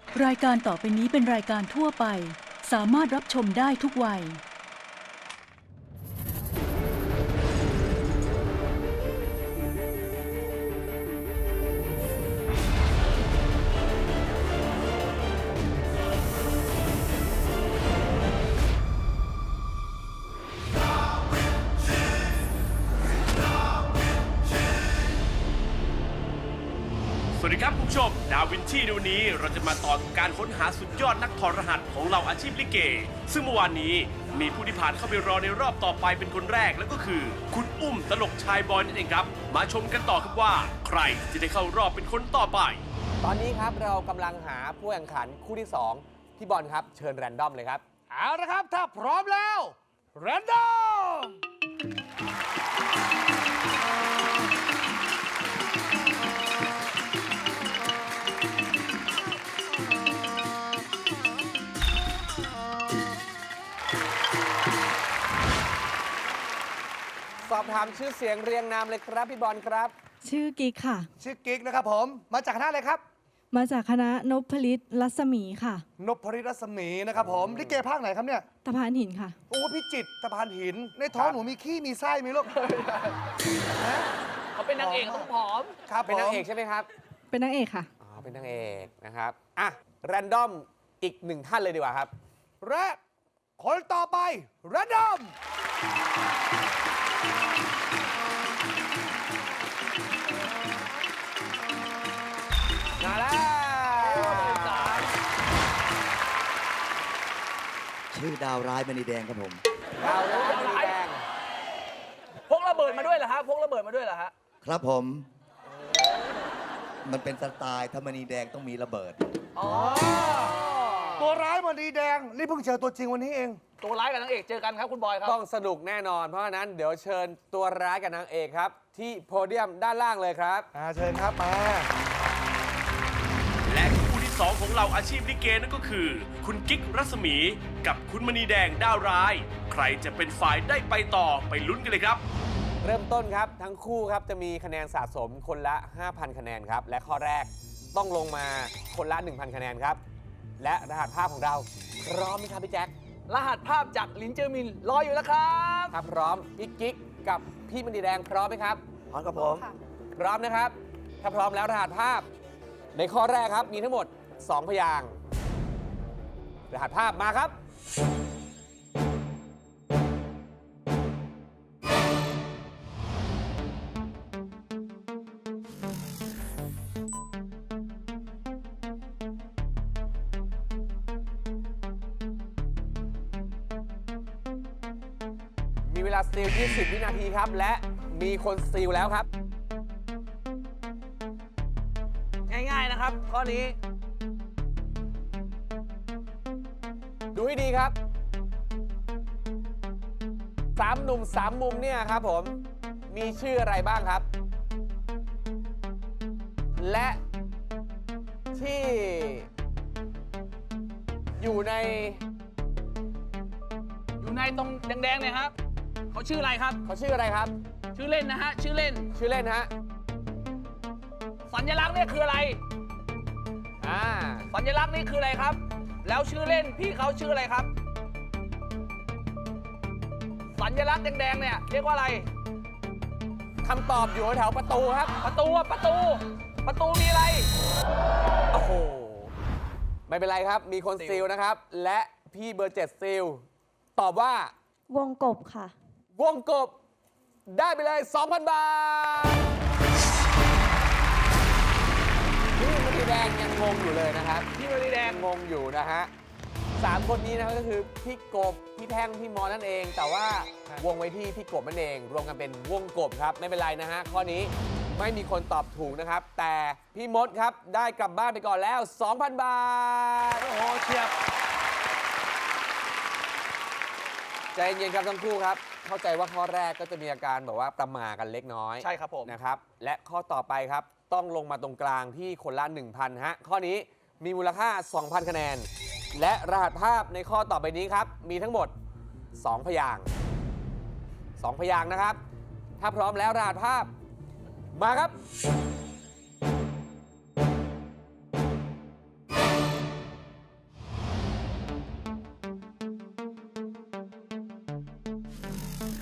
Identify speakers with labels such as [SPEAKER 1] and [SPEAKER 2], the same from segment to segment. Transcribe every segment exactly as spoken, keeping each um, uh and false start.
[SPEAKER 1] รายการต่อไปนี้เป็นรายการทั่วไปสามารถรับชมได้ทุกวัย
[SPEAKER 2] สวัสดีครับคุณผู้ชมดาวินชีในวันนี้เราจะมาต่อการค้นหาสุดยอดนักถอดรหัสของเหล่าอาชีพลิเกซึ่งเมื่อวานนี้มีผู้ที่ผ่านเข้าไปรอในรอบต่อไปเป็นคนแรกแล้วก็คือคุณอุ้มตลกชายบอยนั่นเองครับมาชมกันต่อครับว่าใครจะได้เข้ารอบเป็นคนต่อไป
[SPEAKER 3] ตอนนี้ครับเรากำลังหาผู้แข่งขันคู่ที่สองพี่บอลครับเชิญแรนดอมเลยครับเอาละครับถ้าพร้อมแล้วแรนดอมสอบถามชื่อเสียงเรียงนามเลยครับพี่บอลครับ
[SPEAKER 4] ชื่อกิ๊กค่ะ
[SPEAKER 5] ชื่อกิ๊กนะครับผมมาจากคณะอะไรครับ
[SPEAKER 4] มาจากคณะนพลิตรัศมีค่ะ
[SPEAKER 5] นพลิตรัศมีนะครับผมลิเกภาคไหนครับเนี่ย
[SPEAKER 4] ตะพานหินค่ะ
[SPEAKER 5] โอ้พิจิตรตะพานหินในท้องหนูมีขี้มีไส้มีลูก
[SPEAKER 3] เขาเป็นนางเอกต้องผอมครับเป็นนางเอกใช่ไหมครับ
[SPEAKER 4] เป็นนางเอกค่ะ
[SPEAKER 3] อ๋อเป็นนางเอกนะครับอ่ะแรนดอมอีกหนึ่งท่านเลยดีกว่าครับ
[SPEAKER 5] และคนต่อไปแรนดอม
[SPEAKER 3] มาแล้ว
[SPEAKER 6] ชื่อดาวร้ายมณีแดงครับผม
[SPEAKER 3] ดาวร้ายมณีแดงพกระเบิดมาด้วยเหรอฮะพกระเบิดมาด้วยเหรอฮะ
[SPEAKER 6] ครับผม มันเป็นสไตล์ถ้ามณีแดงต้องมีระเบิด
[SPEAKER 5] ตัวร้ายมณีแดงนี่เพิ่งเจอตัวจริงวันนี้เอง
[SPEAKER 3] ตัวร้ายกับนางเอกเจอกันครับคุณบอยครับต้องสนุกแน่นอนเพราะฉะนั้นเดี๋ยวเชิญตัวร้ายกับนางเอกครับที่โพเดียมด้านล่างเลยครับ
[SPEAKER 5] อ่าเชิญครับมา
[SPEAKER 2] และคู่ที่สองของเราอาชีพลิเกนั่นก็คือคุณกิ๊กรัศมีกับคุณมณีแดงดาวร้ายใครจะเป็นฝ่ายได้ไปต่อไปลุ้นกันเลยครับ
[SPEAKER 3] เริ่มต้นครับทั้งคู่ครับจะมีคะแนนสะสมคนละ ห้าพัน คะแนนครับและข้อแรกต้องลงมาคนละ หนึ่งพัน คะแนนครับและรหัสภาพของเราพร้อมไหมครับพี่แจ็ครหัสภาพจากลินเจอร์มินรออยู่แล้วครับถ้าพร้อมพี่กิ๊กกับพี่มณีแดงพร้อมไหมครับ
[SPEAKER 5] พร้อมครับผม
[SPEAKER 3] พร้อมนะครับถ้าพร้อมแล้วรหัสภาพในข้อแรกครับมีทั้งหมดสองพยางค์รหัสภาพมาครับมีเวลาสตีลยี่สิบวินาทีครับและมีคนสตีลแล้วครับง่ายๆนะครับข้อนี้ดูให้ดีครับสามหนุ่มสามมุมเนี่ยครับผมมีชื่ออะไรบ้างครับและที่อยู่ใน
[SPEAKER 7] อยู่ในตรงแดงๆเนี่ยครับเขาชื่ออะไรครับ
[SPEAKER 3] เขาชื่ออะไรครับ
[SPEAKER 7] ชื่อเล่นนะฮะชื่อเล่น
[SPEAKER 3] ชื่อเล่นฮะ
[SPEAKER 7] สัญลักษณ์เนี่ยคืออะไร
[SPEAKER 3] อ่า
[SPEAKER 7] สัญลักษณ์นี่คืออะไรครับแล้วชื่อเล่นพี่เขาชื่ออะไรครับสัญลักษณ์แดงๆเนี่ยเรียกว่าอะไร
[SPEAKER 3] คำตอบอยู่แถวประตูครับ
[SPEAKER 7] ประตูประตูประตูมีอะไร
[SPEAKER 3] โอ้โหไม่เป็นไรครับมีคนซีลนะครับและพี่เบอร์เจ็ดซีลตอบว่าว
[SPEAKER 4] งกบค่ะ
[SPEAKER 3] วงกบได้ไปเลย สองพัน บาทพี่มณีแดงยังงงอยู่เลยนะครับ
[SPEAKER 7] พี่มณีแดง
[SPEAKER 3] งงอยู่นะฮะสามคนนี้นะครับก็คือพี่กบพี่แท่งพี่มอนั่นเองแต่ว่าวงไว้ที่พี่กบนั่นเองรวมกันเป็นวงกบครับไม่เป็นไรนะฮะข้อนี้ไม่มีคนตอบถูกนะครับแต่พี่มดครับได้กลับบ้านไปก่อนแล้ว สองพัน บาท
[SPEAKER 7] โอ้โหเฉียบ
[SPEAKER 3] ใจเย็นครับทั้งคู่ครับเข้าใจว่าข้อแรกก็จะมีอาการแบบว่าประมากันเล็กน้อย
[SPEAKER 7] ใช่ครับผม
[SPEAKER 3] นะครับและข้อต่อไปครับต้องลงมาตรงกลางที่คนละ หนึ่งพัน ฮะข้อนี้มีมูลค่า สองพัน คะแนนและรหัสภาพในข้อต่อไปนี้ครับมีทั้งหมดสองพยางค์สองพยางค์นะครับถ้าพร้อมแล้วรหัสภาพมาครับ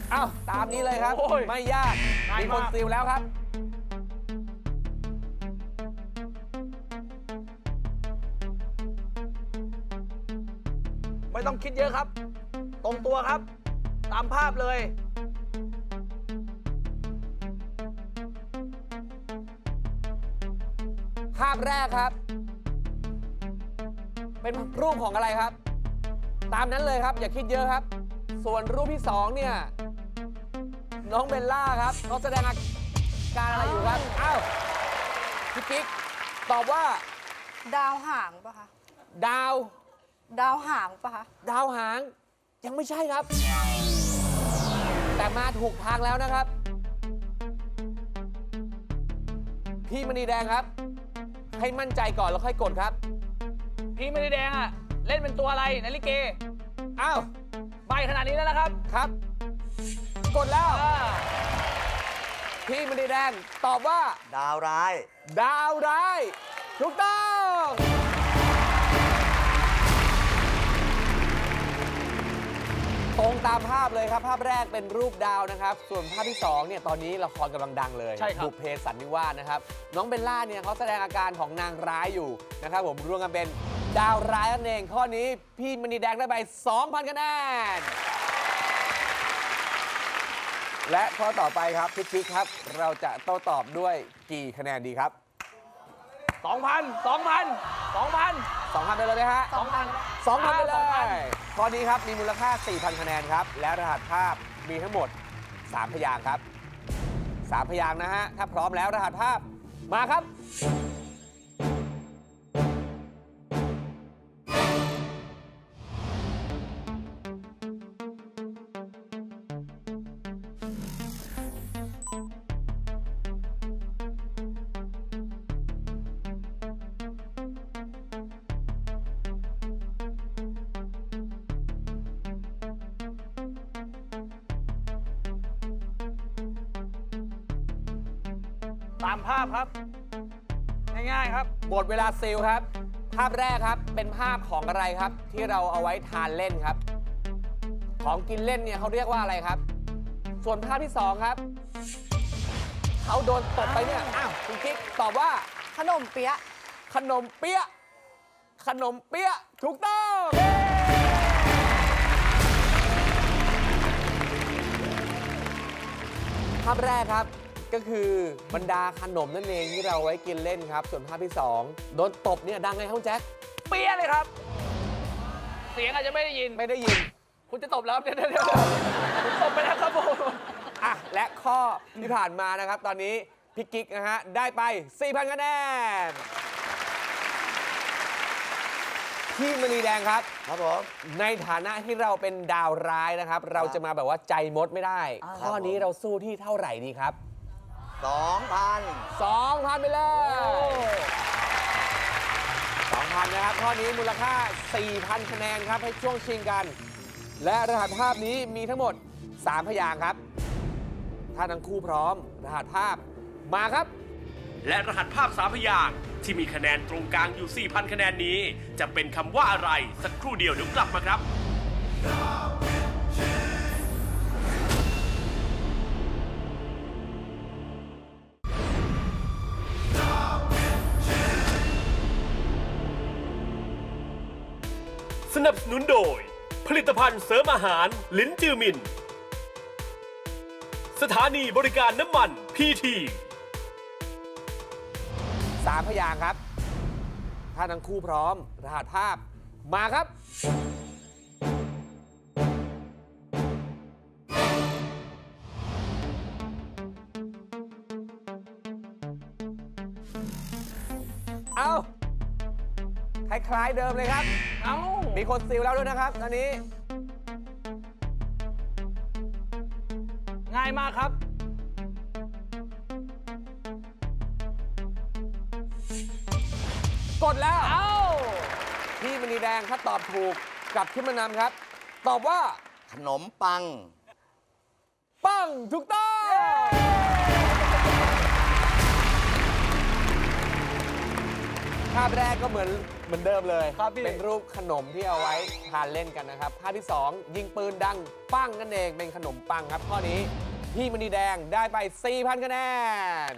[SPEAKER 3] เอ้าตามนี้เลยครับ
[SPEAKER 7] โอ้ย
[SPEAKER 3] ไม่ยาก
[SPEAKER 7] ง่าย
[SPEAKER 3] มีคน
[SPEAKER 7] มาก
[SPEAKER 3] ซิลแล้วครับ
[SPEAKER 7] ไม่ต้องคิดเยอะครับ ตรงตัวครับ ตามภาพเลย
[SPEAKER 3] ภาพแรกครับ เป็นรูปของอะไรครับ ตามนั้นเลยครับ อย่าคิดเยอะครับ ส่วนรูปที่สองเนี่ย น้องเบลล่าครับเขาแสดงอาการอะไรอยู่ครับ อ้าวพี่กิ๊กตอบว่า
[SPEAKER 8] ดาวหางปะคะ
[SPEAKER 3] ดาว
[SPEAKER 8] ดาวหางปะคะ
[SPEAKER 3] ดาวหาง ยังไม่ใช่ครับ แต่มาถูกทางแล้วนะครับ พี่มณีแดงครับ ให้มั่นใจก่อนแล้วค่อยกดครับ
[SPEAKER 7] พี่ไม่ได้แดงอ่ะ เล่นเป็นตัวอะไรในลิเก
[SPEAKER 3] อ้าว
[SPEAKER 7] ใบขนาดนี้แล้วนะครับ
[SPEAKER 3] ครับ กดแล้ว
[SPEAKER 7] อ่า
[SPEAKER 3] พี่มณีแดงตอบว่า
[SPEAKER 6] ดาวร้าย
[SPEAKER 3] ดาวร้ายถูกต้องตรงตามภาพเลยครับ ภาพแรกเป็นรูปดาวนะครับ ส่วนภาพที่สองเนี่ยตอนนี้ละครกำลังดังเลย
[SPEAKER 7] ใช่ครับ
[SPEAKER 3] บุพเพสันนิวาสนะครับ น้องเบลล่าเนี่ยเขาแสดงอาการของนางร้ายอยู่นะครับผมรวมกันเป็นดาวร้ายนั่นเองข้อนี้พี่มณีแดงได้ไป สองพัน คะแนน และข้อต่อไปครับพี่กิ๊กครับ เราจะโต้ตอบด้วยกี่คะแนนดีครับ
[SPEAKER 7] สองพัน สองพัน สองพัน
[SPEAKER 3] สองพันไปเลยไหมฮะ
[SPEAKER 7] สองพัน
[SPEAKER 3] สองพันไปเล
[SPEAKER 7] สองพัน
[SPEAKER 3] ยข้อนี้ครับมีมูลค่า สี่พัน คะแนนครับ และรหัสภาพมีทั้งหมด สาม พยางค์ครับ สาม พยางค์นะฮะ ถ้าพร้อมแล้วรหัสภาพมาครับ
[SPEAKER 7] ตามภาพครับ ง่ายๆครับ
[SPEAKER 3] หมดเวลาซิลครับ ภาพแรกครับเป็นภาพของอะไรครับ ที่เราเอาไว้ทานเล่นครับ ของกินเล่นเนี่ยเขาเรียกว่าอะไรครับ ส่วนภาพที่สองครับเขาโดนตบไปเนี่ยอ้าวคุณกิ๊กตอบว่า
[SPEAKER 8] ขนมเปี๊ยะ
[SPEAKER 3] ขนมเปี๊ยะ ขนมเปี๊ยะ ถูกต้อง ภาพแรกครับก็คือบรรดาขนมนั่นเองที่เราไว้กินเล่นครับ ส่วนภาพที่สองโดนตบเนี่ยดังไงครับแจ็ค
[SPEAKER 7] เปี้ยเลยครับ เสียงอาจจะไม่ได้ยิน
[SPEAKER 3] ไม่ได้ยิน
[SPEAKER 7] คุณจะตบแล้วเดี๋ยวเดี๋ยวเดี๋ยวผมตบไปแล้วครับผม
[SPEAKER 3] อ่ะและข้อที่ผ่านมานะครับ ตอนนี้พี่กิ๊กนะฮะได้ไป สี่พัน คะแนนพี่มณีแดงครับ
[SPEAKER 6] ครับผม
[SPEAKER 3] ในฐานะที่เราเป็นดาวร้ายนะครับ เราจะมาแบบว่าใจมดไม่ได้
[SPEAKER 6] อ่า
[SPEAKER 3] ข้อนี้เราสู้ที่เท่าไหร่ดีครับ
[SPEAKER 6] สองพัน
[SPEAKER 3] สองพัน ไปเลยสองพัน นะครับ ข้อนี้มูลค่า สี่พัน คะแนนครับ ให้ช่วงชิงกัน และรหัสภาพนี้มีทั้งหมด สาม พยางค์ครับ ถ้าทั้งคู่พร้อม รหัสภาพมาครับ
[SPEAKER 2] และรหัสภาพสามพยางค์ที่มีคะแนนตรงกลางอยู่ สี่พัน คะแนนนี้ จะเป็นคำว่าอะไร สักครู่เดียวเดี๋ยวกลับมาครับ สนับสนุนโดย ผลิตภัณฑ์เสริมอาหารลิ้นจือมิน สถานีบริการน้ำมันพีที
[SPEAKER 3] สาม พยางค์ครับ ถ้าทั้งคู่พร้อม รหัสภาพมาครับ เอาคล้ายๆเดิมเลยครับ
[SPEAKER 7] เอ้า
[SPEAKER 3] มีคนซิลแล้วด้วยนะครับ ตอนนี้
[SPEAKER 7] ง่ายมากครับ
[SPEAKER 3] กดแล้ว
[SPEAKER 7] เอ้า
[SPEAKER 3] พี่มณีแดงถ้าตอบถูกกลับขึ้นมานำครับ ตอบว่า
[SPEAKER 6] ขนมปัง
[SPEAKER 3] ปังถูกต้องภาพแรกก็เหมือนเหมือนเดิมเลย
[SPEAKER 7] ครับพี่
[SPEAKER 3] เป็นรูปขนมที่เอาไว้ทานเล่นกันนะครับ ภาพที่ สอง ยิงปืนดังปั้งนั่นเองเป็นขนมปังครับ ข้อนี้พี่มณีแดงได้ไป สี่พัน คะแนน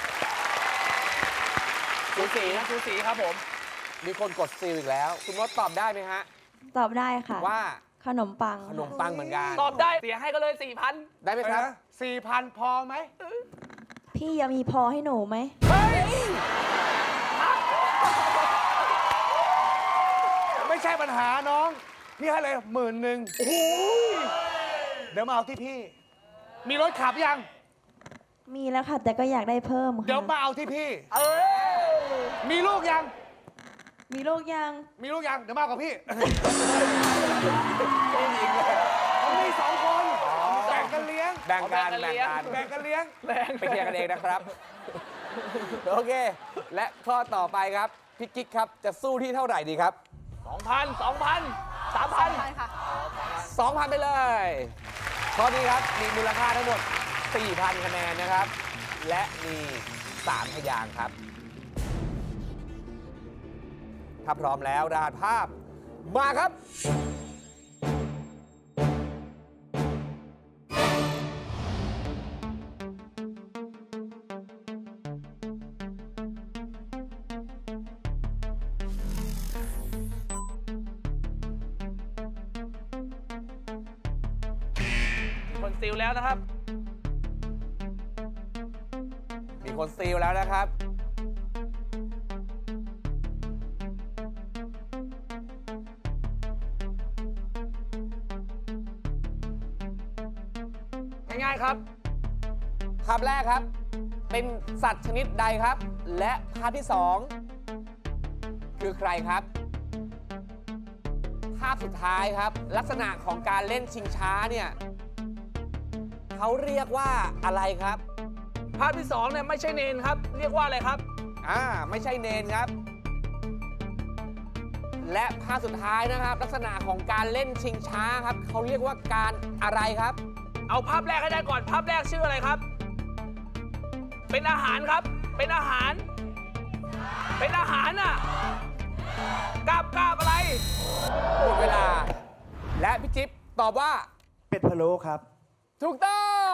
[SPEAKER 7] สูสีนะสูสีครับผม
[SPEAKER 3] มีคนกดซีลอีกแล้ว คุณมดตอบได้ไหมฮะ
[SPEAKER 9] ตอบได้ค่ะ
[SPEAKER 3] ว่า
[SPEAKER 9] ขนมปัง
[SPEAKER 3] ขนมปังเหมือนกัน
[SPEAKER 7] ตอบได้เสียให้ก็เลยสี่พัน
[SPEAKER 3] ได้ไหมครับ
[SPEAKER 5] สี่พันพอไหม
[SPEAKER 9] พี่ยังมีพอให้หนูไหม
[SPEAKER 5] ไม่ใช่ปัญหาน้อง พี่ให้เลยหมื่นหนึ่งโอ้โหเดี๋ยวมาเอาที่พี่ มีรถขับยัง
[SPEAKER 9] มีแล้วค่ะ แต่ก็อยากได้เพิ่ม
[SPEAKER 5] เดี๋ยว
[SPEAKER 9] ค่ะ
[SPEAKER 5] มาเอาที่พี่
[SPEAKER 7] เออ
[SPEAKER 5] มีลูกยัง
[SPEAKER 9] มีลูกยัง
[SPEAKER 5] มีลูกยัง เดี๋ยวมากับพี่ผมมีสองคนแบ่งกันเลี้ยง
[SPEAKER 3] แบ่งกัน
[SPEAKER 7] เอาแบ่
[SPEAKER 3] แบ่
[SPEAKER 7] ง
[SPEAKER 3] ง
[SPEAKER 7] กั
[SPEAKER 3] กัน น
[SPEAKER 5] แบ่งกันเลี้ยง
[SPEAKER 3] ไปเคลียร์กันเองนะครับ โอเค และข้อต่อไปครับ พี่กิ๊กครับ จะสู้ที่เท่าไหร่ดีครับ
[SPEAKER 7] สองพันสองพันสามพัน
[SPEAKER 8] พันค่ะ
[SPEAKER 3] สองพัน ไปเลย ข้อนี้ครับ มีมูลค่าทั้งหมด สี่พัน คะแนนนะครับ และมี สาม พยางค์ครับ ถ้าพร้อมแล้วรหัสภาพ มาครับ
[SPEAKER 7] คนซิลแล้วนะครับ
[SPEAKER 3] มีคนซีลแล้วนะครับ
[SPEAKER 7] ง่ายๆครับ
[SPEAKER 3] ภาพแรกครับ เป็นสัตว์ชนิดใดครับ และภาพที่สองคือใครครับ ภาพสุดท้ายครับ ลักษณะของการเล่นชิงช้าเนี่ยเขาเรียกว่าอะไรครับ
[SPEAKER 7] ภาพที่สองเนี่ยไม่ใช่เนนครับ เรียกว่าอะไรครับ
[SPEAKER 3] อ่าไม่ใช่เนนครับ และภาพสุดท้ายนะครับ ลักษณะของการเล่นชิงช้าครับเขาเรียกว่าการอะไรครับ
[SPEAKER 7] เอาภาพแรกให้ได้ก่อน ภาพแรกชื่ออะไรครับ เป็นอาหารครับ เป็นอาหาร เป็นอาหารน่ะกาบกาบอะไร
[SPEAKER 3] หมดเวลา และพี่จิ๊บตอบว่า
[SPEAKER 5] เป็ดพะโล้ครับ
[SPEAKER 3] ถูกต้อง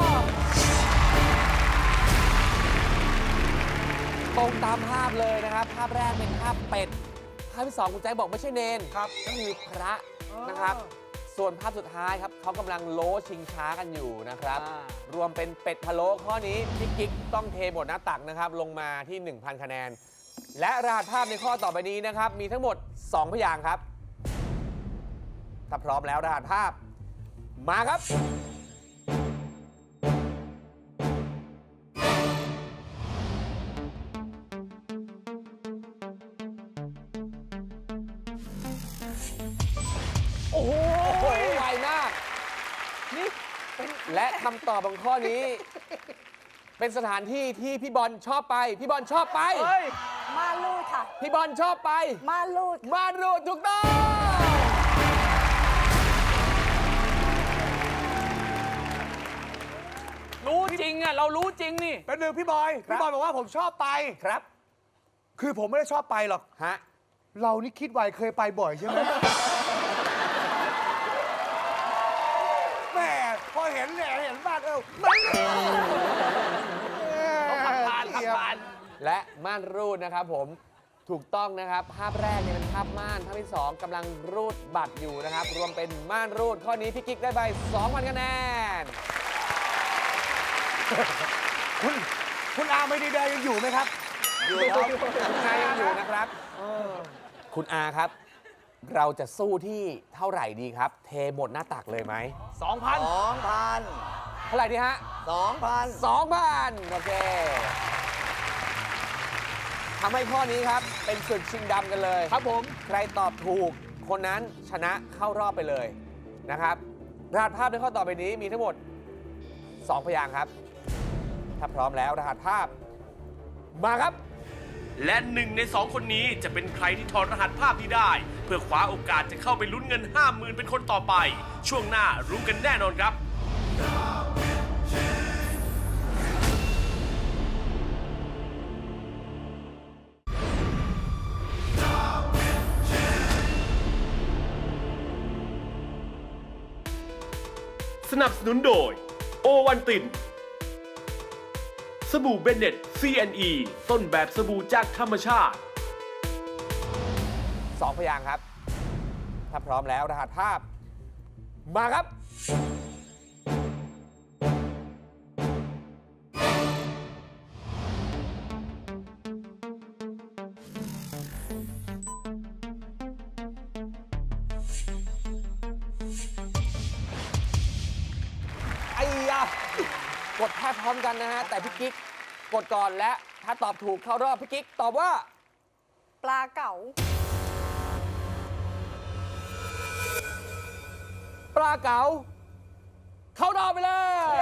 [SPEAKER 3] ตรงตามภาพเลยนะครับ ภาพแรกเป็นภาพเป็ด ภาพที่สองคุณแจ็คบอกไม่ใช่เนนครับก็คือพระนะครับ ส่วนภาพสุดท้ายครับเขากำลังโล้ชิงช้ากันอยู่นะครับ
[SPEAKER 7] อ่าร
[SPEAKER 3] วมเป็นเป็ดพะโล้ข้อนี้พี่กิ๊กต้องเทหมดหน้าตักนะครับ ลงมาที่ หนึ่งพัน คะแนน และรหัสภาพในข้อต่อไปนี้นะครับ มีทั้งหมด สอง พยางค์ครับ ถ้าพร้อมแล้วรหัสภาพ มาครับ
[SPEAKER 7] โอ้โห
[SPEAKER 3] โอ้โหไวมาก นี่และคำตอบของข้อนี้ เป็นสถานที่ที่พี่บอลชอบไป พี่บอลชอบไป
[SPEAKER 7] เฮ้ย
[SPEAKER 8] ม่านรูดค่ะ
[SPEAKER 3] พี่บอลชอบไป
[SPEAKER 8] ม่านรูดค่ะ
[SPEAKER 3] มารูดถูกต้อง
[SPEAKER 7] รู้จริงอ่ะ เรารู้จริงนี่
[SPEAKER 5] เป็นหนึ่งพี่บอย
[SPEAKER 3] ครับ
[SPEAKER 5] พี่บอยบอกว่าผมชอบไป
[SPEAKER 3] ครับ
[SPEAKER 5] คือผมไม่ได้ชอบไปหรอก
[SPEAKER 3] ฮะ
[SPEAKER 5] เรานี่คิดไวเคยไปบ่อยใช่ไหม แหม่พอเห็นเนี่ยเห็นบ้านเออมัน
[SPEAKER 7] เขาขับผ่านขับผ่าน
[SPEAKER 3] และม่านรูดนะครับผมถูกต้องนะครับ ภาพแรกเนี่ยเป็นภาพม่าน ภาพที่สองกำลังรูดบัตรอยู่นะครับ รวมเป็นม่านรูด ข้อนี้พี่กิ๊กได้ไป สองพัน คะแนน
[SPEAKER 5] คุณคุณอาไม่ดีเดย์ยังอยู่ไหมครับ
[SPEAKER 3] อยู่ครับคุณอายังอยู่นะครับคุณอาครับ เราจะสู้ที่เท่าไหร่ดีครับ เทหมดหน้าตักเลยไหม
[SPEAKER 7] สองพัน
[SPEAKER 6] สองพัน
[SPEAKER 3] เท่าไหร่ดีฮะ
[SPEAKER 6] สองพัน
[SPEAKER 3] สองพันโอเคทำให้ข้อนี้ครับ เป็นศึกชิงดำกันเลย
[SPEAKER 7] ครับผม
[SPEAKER 3] ใครตอบถูกคนนั้นชนะเข้ารอบไปเลยนะครับรหัสภาพในข้อต่อไปนี้มีทั้งหมด สอง พยางค์ครับ ถ้าพร้อมแล้วรหัสภาพ มาครับ
[SPEAKER 2] และหนึ่งในสองคนนี้จะเป็นใครที่ถอดรหัสภาพนี้ได้ เพื่อคว้าโอกาสจะเข้าไปลุ้นเงิน ห้าหมื่น เป็นคนต่อไป ช่วงหน้ารู้กันแน่นอนครับสนับสนุนโดยโอวันตินสบู่เบนเน็ต ซี แอนด์ อี ต้นแบบสบู่จากธรรมชาติ
[SPEAKER 3] สองพยางค์ครับ ถ้าพร้อมแล้วรหัสภาพ มาครับ ไอ้ยะกดแทบพร้อมกันนะฮะ แต่พี่กิ๊กกดก่อนและถ้าตอบถูกเข้ารอบพี่กิ๊กตอบว่า
[SPEAKER 8] ปลาเก๋า
[SPEAKER 3] ปลาเก๋าเข้ารอบไปเลย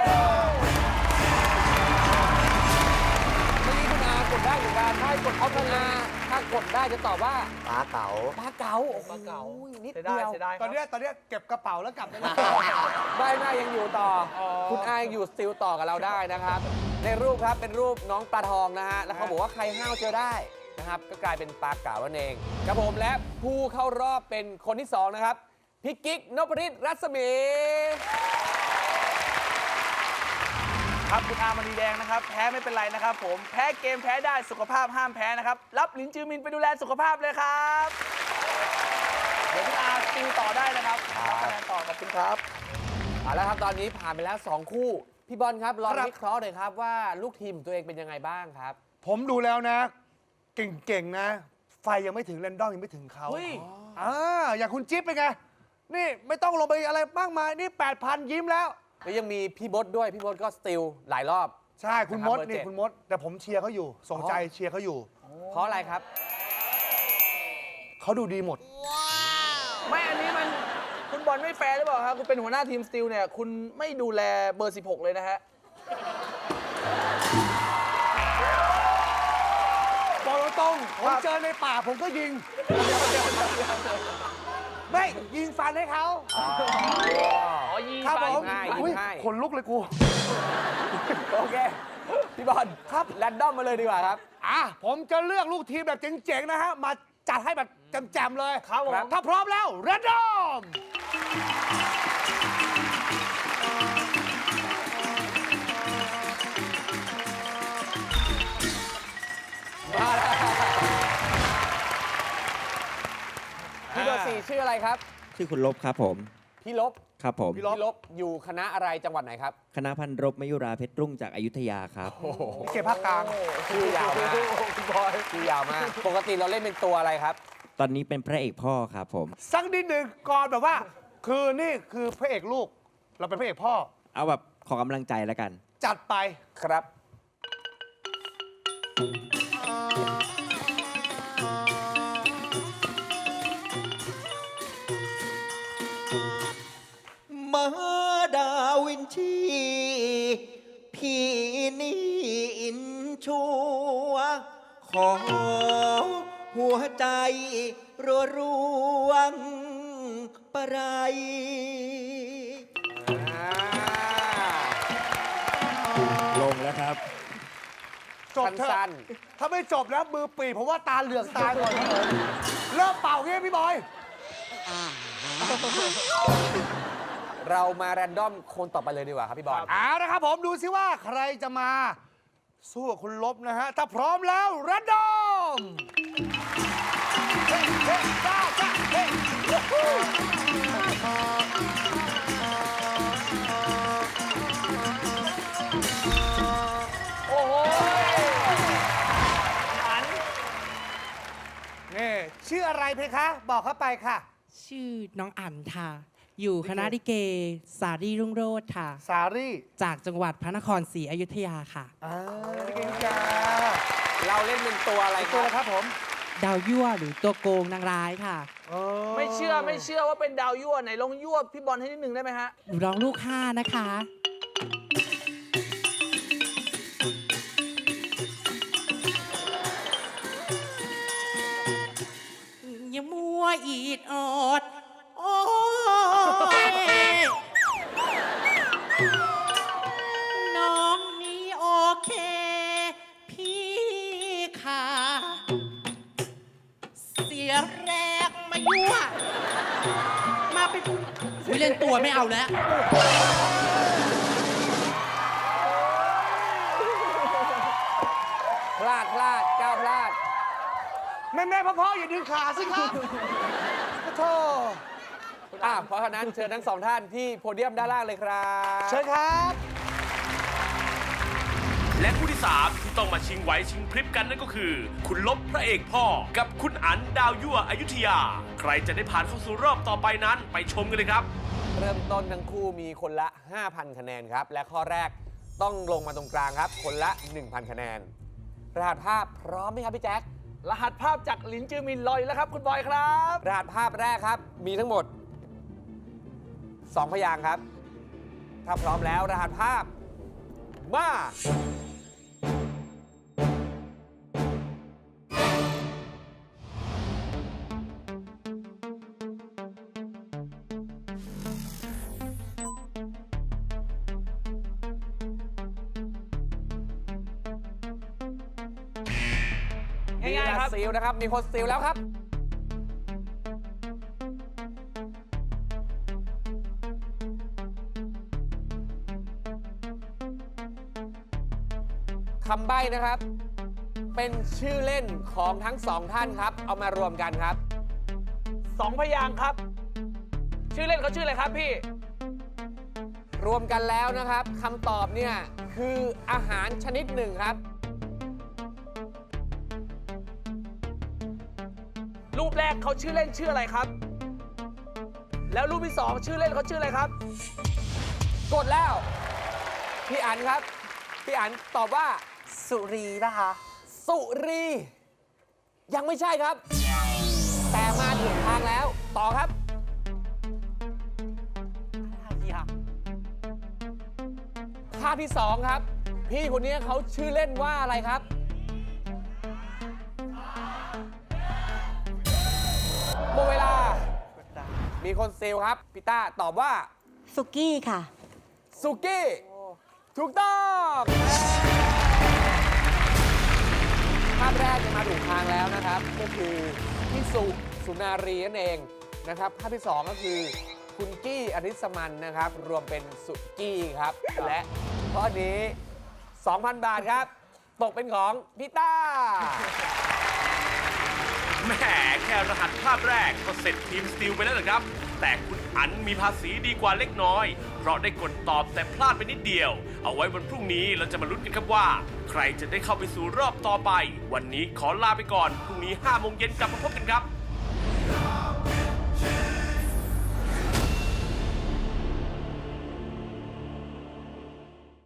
[SPEAKER 3] เมื่อกี้คุณอากดได้เหมือนกันถ้ากดเอาคุณอาถ้ากดได้จะตอบว่า
[SPEAKER 6] ปลาเก๋า
[SPEAKER 3] ปลาเก๋าโอ้โห
[SPEAKER 7] ปลาเก๋า
[SPEAKER 3] นิด
[SPEAKER 7] เสีย
[SPEAKER 3] เดี
[SPEAKER 7] ดาย
[SPEAKER 3] ยว
[SPEAKER 7] เสียดายค
[SPEAKER 5] ต
[SPEAKER 7] รั
[SPEAKER 5] อบ นเนี้ยตอนเนี้ยเก็บกระเป๋าแล้วกลับได้แล้ว
[SPEAKER 3] ใบหน้ายังอยู่ต่อ
[SPEAKER 5] อ๋อ
[SPEAKER 3] คุณอายังอยู่สติลต่อกับเราได้นะครับ ในรูปครับเป็นรูปน้องปลาทองนะฮะ แล้วเขาบอกว่าใครห้าวเจอได้นะครับ ก็กลายเป็นปลาเก๋านั่นเองครับผมและผู้เข้ารอบเป็นคนที่สองนะครับพี่กิ๊กนพฤทธิ์รัศมี
[SPEAKER 7] ครับคุณอามณีแดงนะครับ แพ้ไม่เป็นไรนะครับผมแพ้เกมแพ้ได้สุขภาพห้ามแพ้นะครับ รับลินจือมินไปดูแลสุขภาพเลยครับ เดี๋ยวคุณอาติวต่อได้นะครับรับคะแนนต่อขอบคุณครับ
[SPEAKER 3] เอาละครับตอนนี้ผ่านไปแล้วสองคู่ พี่บอลครับลอง
[SPEAKER 5] ครับ
[SPEAKER 3] วิเคราะห์หน่อยครับว่าลูกทีมของตัวเองเป็นยังไงบ้างครับ
[SPEAKER 5] ผมดูแล้วนะ เก่งๆนะ ไฟยังไม่ถึงแรนดอมยังไม่ถึงเขา
[SPEAKER 7] เฮ้ย
[SPEAKER 5] อ่าอย่างคุณจิ๊บเป็นไง นี่ไม่ต้องลงไปอะไรมากมาย นี่ แปดพัน ยิ้มแล้ว
[SPEAKER 3] แล้วยังมีพี่บดด้วย พี่บดก็สติลหลายรอบ
[SPEAKER 5] ใช่คุณมด
[SPEAKER 3] นะครับเบอร์เจ็
[SPEAKER 5] นี่
[SPEAKER 3] ด
[SPEAKER 5] คุณมด แต่ผมเชียร์เขาอยู่ ส่งใจ
[SPEAKER 3] อ๋อ
[SPEAKER 5] เชียร์เขาอยู่
[SPEAKER 3] เพราะอะไรครับ
[SPEAKER 5] เขาดูดีหมด
[SPEAKER 7] ไม่อันนี้มันคุณบอลไม่แฟร์หรือเปล่าครับคุณเป็นหัวหน้าทีมสตีลเนี่ยคุณไม่ดูแลเบอร์ สิบหก เลยนะฮะ
[SPEAKER 5] บอกตรงๆผมเจอในป่าผมก็ยิง ไม่ยิงฟันให้เขา
[SPEAKER 7] อ๋อยี
[SPEAKER 5] ครับ
[SPEAKER 7] ไป
[SPEAKER 5] ผม
[SPEAKER 3] ง่าย
[SPEAKER 5] อุ๊ย
[SPEAKER 3] ง่าย
[SPEAKER 5] ขนลุกเลยกู
[SPEAKER 3] โอเค พี่บอลครับแรนดอมมาเลยดีกว่าครับ
[SPEAKER 5] อ่ะ ผมจะเลือกลูกทีมแบบเจ๋งๆ นะฮะ มาจัดให้แบบแจ่มๆเลย
[SPEAKER 7] ครับผม
[SPEAKER 5] ถ้าพร้อมแล้วแรนดอม
[SPEAKER 3] มาแล้วพี่เบอร์สี่ชื่ออะไรครับ
[SPEAKER 10] ชื่อคุณลบครับผม
[SPEAKER 3] พี่ลบ
[SPEAKER 10] ครับผม
[SPEAKER 3] พี่ลบอยู่คณะอะไรจังหวัดไหนครับ
[SPEAKER 10] คณะพันรบมยุราเพชรรุ่งจากอยุธยาครับ
[SPEAKER 5] เก็บภาคกลาง
[SPEAKER 3] ชื่อยาวมากชื่อยาวมาก ปกติเราเล่นเป็นตัวอะไรครับ
[SPEAKER 10] ตอนนี้เป็นพระเอกพ่อครับผม
[SPEAKER 5] สักนิดหนึ่งก่อนแบบว่า คือนี่คือพระเอกลูก เราเป็นพระเอกพ่อ
[SPEAKER 10] เอาแบบขอกำลังใจแล้วกัน
[SPEAKER 5] จัดไป
[SPEAKER 3] ครับ
[SPEAKER 6] มาดาวินชี พี่นี่อินชัวขอหัวใจรัวรวงประไร
[SPEAKER 10] ลงแล้วครับ
[SPEAKER 5] จบเถ
[SPEAKER 3] สั้
[SPEAKER 5] อะ
[SPEAKER 3] น
[SPEAKER 5] ถ้าไม่จบแล้วมือปีผมว่าตาเหลือกตายก่อนครับผมเริ่มเป่าเงี้ยพี่บอย
[SPEAKER 3] ๆ เรามาแรนดอมคนต่อไปเลยดีกว่าครับพี่บอล
[SPEAKER 5] เอานะครับผมดูซิว่าใครจะมา สู้กับคุณลบนะฮะ ถ้าพร้อมแล้วแรนดอมเฮ้เฮ้จ้าจ้าเฮ้วู้ฮู้
[SPEAKER 7] โอ้โหอัน
[SPEAKER 5] นี่ชื่ออะไรเพคะ บอกเข้าไปค่ะ
[SPEAKER 11] ชื่อน้องอั๋นค่ะ อยู่คณะลิเกสารีรุ่งโรจน์ค่ะ
[SPEAKER 5] สารี่
[SPEAKER 11] จากจังหวัดพระนครศรีอยุธยาค่ะ
[SPEAKER 5] อ่าเก่งจ้า
[SPEAKER 3] เราเล่นเป็นตัวอะไรค
[SPEAKER 5] ตัว
[SPEAKER 3] รับ
[SPEAKER 5] นะครับผม
[SPEAKER 11] ดาวยั่วหรือตัวโกงนางร้ายค่ะ
[SPEAKER 7] ไม่เชื่อไม่เชื่อว่าเป็นดาวยั่วไหนลองยั่วพี่บอลให้นิดหนึ่งได้ไหมฮะ
[SPEAKER 11] หนูร้องลูกห้านะคะ อย่ามัวอีดออด โอ้ยน้องนี้โอเค พี่ค่ะ เสียแรงมายั่ว มาเป็นไม่เล่นตัวไม่เอาแล้ว
[SPEAKER 3] พลาดพลาดก้าวพลาด
[SPEAKER 5] แม่แม่พ่อๆอย่าดึงขาสิครับโธ่
[SPEAKER 3] อ่ะเพราะฉะนั้นเชิญทั้งสองท่านที่โพเดียมด้านล่างเลยครับ
[SPEAKER 5] เชิญครับ
[SPEAKER 2] และคู่ที่สามที่ต้องมาชิงไหวชิงพริบกันนั่นก็คือ คุณลบพระเอกพ่อกับคุณอั๋นดาวยั่วอยุธยา ใครจะได้ผ่านเข้าสู่รอบต่อไปนั้นไปชมกันเลยครับ
[SPEAKER 3] เริ่มต้นทั้งคู่มีคนละ ห้าพัน คะแนนครับ และข้อแรกต้องลงมาตรงกลางครับ คนละ หนึ่งพัน คะแนน รหัสภาพพร้อมไหมครับพี่แจ๊ค
[SPEAKER 7] รหัสภาพจากหลินจือมินลอยแล้วครับคุณบอยครับ
[SPEAKER 3] รหัสภาพแรกครับ มีทั้งหมด สอง พยางค์ครับ ถ้าพร้อมแล้วรหัสภาพ มา
[SPEAKER 7] ง่ายๆครับ
[SPEAKER 3] ซีลนะครับ มีคนซีลแล้วครับ คำใบ้นะครับ เป็นชื่อเล่นของทั้งสองท่านครับ เอามารวมกันครับ
[SPEAKER 7] สองพยางค์ครับ ชื่อเล่นเขาชื่ออะไรครับพี่
[SPEAKER 3] รวมกันแล้วนะครับคำตอบเนี่ยคืออาหารชนิดหนึ่งครับ
[SPEAKER 7] รูปแรกเขาชื่อเล่นชื่ออะไรครับ แล้วรูปที่สองชื่อเล่นเขาชื่ออะไรครับ
[SPEAKER 3] กดแล้ว พี่อั๋นครับ พี่อั๋นตอบว่า
[SPEAKER 8] สุรีนะคะ
[SPEAKER 3] สุรี ยังไม่ใช่ครับ แต่มาถึงทางแล้ว ต่อครับ ภาพที่สองครับ พี่คนนี้เขาชื่อเล่นว่าอะไรครับ หมดเวลา มีคนเซลครับพี่ต้าตอบว่า
[SPEAKER 9] สุกี้ค่ะ
[SPEAKER 3] สุกี้ ถูกต้อง ภาพแรกจะมาถูกทางแล้วนะครับ ก็คือพี่สุสุนารีนั่นเองนะครับ ภาพที่สองก็คือคุณกี้อริสมันนะครับ รวมเป็นสุกี้ครับ และข้อนี้ สองพัน บาทครับ ตกเป็นของพี่ต้า
[SPEAKER 2] แหมแค่รหัสภาพแรกก็เสร็จทีมสตีลไปแล้วนะครับ แต่คุณอั๋นมีภาษีดีกว่าเล็กน้อย เพราะได้กดตอบแต่พลาดไปนิดเดียว เอาไว้วันพรุ่งนี้เราจะมาลุ้นกันครับว่า ใครจะได้เข้าไปสู่รอบต่อไป วันนี้ขอลาไปก่อน พรุ่งนี้ห้าโมงเย็นกลับมาพบกันครับ